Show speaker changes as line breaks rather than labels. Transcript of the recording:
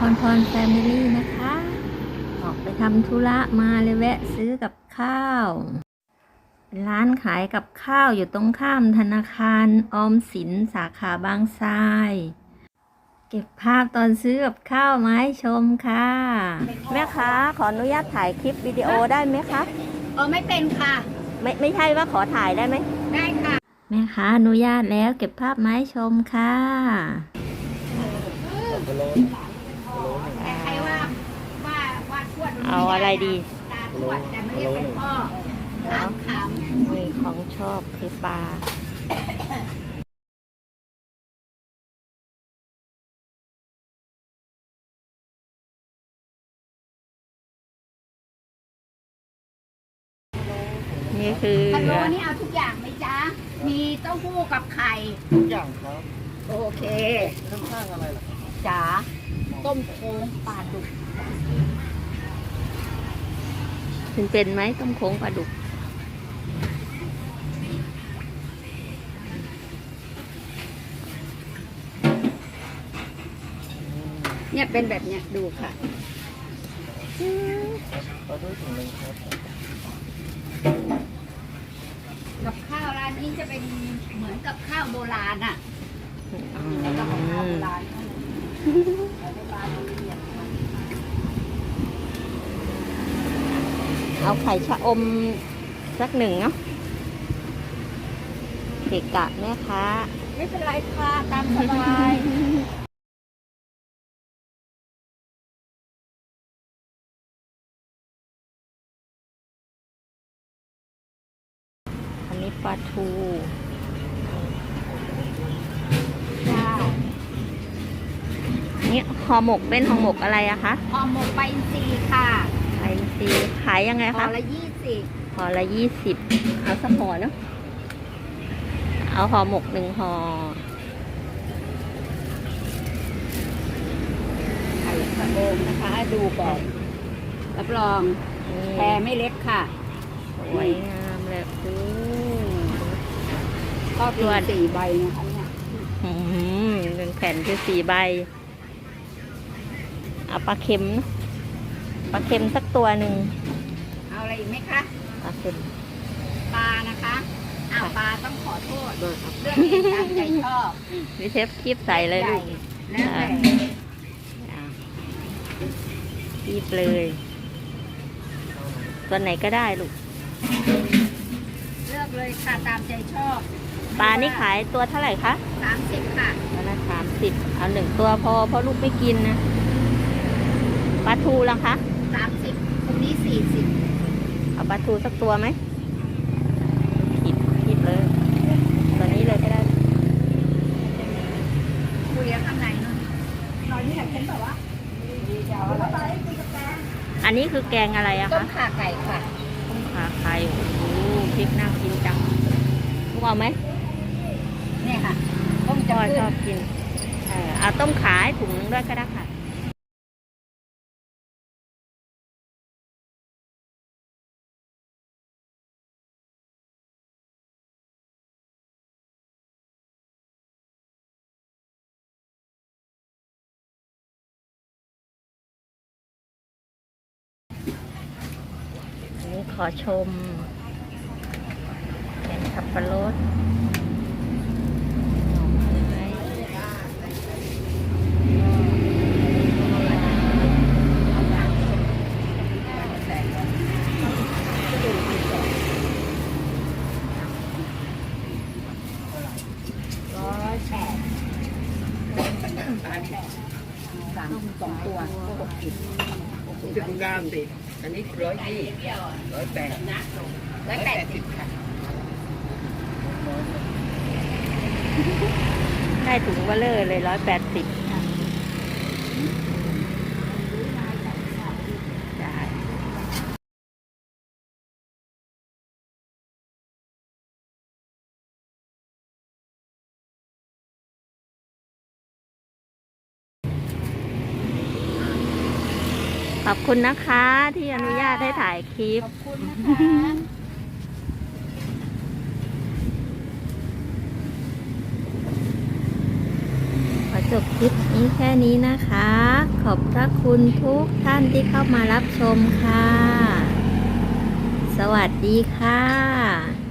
พรแฟมิลี่นะคะ ออกไปทำธุระมาเลยแวะซื้อกับข้าวเป็นร้านขายกับข้าวอยู่ตรงข้ามธนาคารออมสินสาขาบางทราย เก็บภาพตอนซื้อกับข้าวมาให้ชมค่ะแม่ค้าขออนุญาตถ่ายคลิปวิดีโอได้ไหมคะ
ไม่เป็นค่ะ
ไม่ใช่ว่าขอถ่ายได้ไหม
ได้ค่ะ
แม่ค้าอนุญาตแล้วเก็บภาพมาให้ชมค่ะ
ใครว่าทวด
เอาอะไรดี
ตาทวดแต่ไม่เรียกเป็นพ่อขำ
มีของชอบคือปลานี่คือ
พะโล้นี่เอาทุกอย่างไหมจ๊ะมีเต้าหู้กับไข่
ทุกอย่างครับ
โอเค
ข้างๆอะไรล่ะ
จ๋าต้มโค้งปลาดุก
เป็นไหมต้มโค้งปลาดุก
เนี่ยเป็นแบบเนี้ยดูค่ะ
เราด้วยถุงนึงครับ
กับข้าวร้านนี้จะเป็นเหมือนกับข้าวโบราณอ่ะแล้วก็ของข้าวโบราณ
เอาไข่ชะอมสักหนึ่งเนาะเกะกะแม่ค้า
ไม่เป็นไรค่ะตามสบาย
อันนี้ปลาทูนี่ห่อหมกเป็นห่อหมกอะไรอะคะ
ห่อหมกใบอินทรีย์ค่ะ
ใบอินทรีย์ขายยังไงคะ
ห่อละ20
ห่อละ20เอาสักห่อเนาะเอาห่อหมก1ห่อ
ไข่กระโดงนะคะดูก่อนรับรองแพรไม่เล็กค่ะ
สวยงามเลย
ก็ตัว4ใบนะคะเนี่ย
1แผ่นคือ4ใบเอาปลาเค็มปลาเค็มสักตัวหนึ่ง
เอาอะไรอีกไหมคะ
ปลาเค็ม
ปลานะคะปลาต้องขอโทษเรื่องนี้ตามใจชอบ
วิเชฟคีบใส่เลยลูก
แล้วแต่
คีบเลยตัวไหนก็ได้ลูก
เลือกเลยค่ะตามใจชอบ
ปลานี่ขายตัวเท่าไหร่คะ
30ค่ะ
ตัวละ30เอา1ตัวพอเพราะลูกไม่กินนะปลาทูล่ะคะ
30ตรงนี้40
เอาปลาทูสักตัวไหมคิดเลยตัวนี้เลยก็ได้
คุยข้างในนู่นตอนนี้อยากเห็นแบบว่า
อันนี้คือแกงอะไรอะคะ
ต้มข่าไก่ค่ะ
ต้มข่าไก่โอ้โหพริกน่ากินจังลูกเอาไหม
เนี่ยค่ะต้ม
ชอบกินเอาต้มขาให้ถุงนึงด้วยก็ได้ค่ะขอชมเป็นสับปะรด
2 ตัว
จะคุณงามสิอันนี้180 180ค่ะ
ได้ถุงเบลเลอร์เลย180ขอบคุณนะคะที่อนุญาตให้ถ่ายคลิป
ขอบคุณนะคะ
ขอจบคลิปนี้แค่นี้นะคะ ขอบพระคุณทุกท่านที่เข้ามารับชมค่ะ สวัสดีค่ะ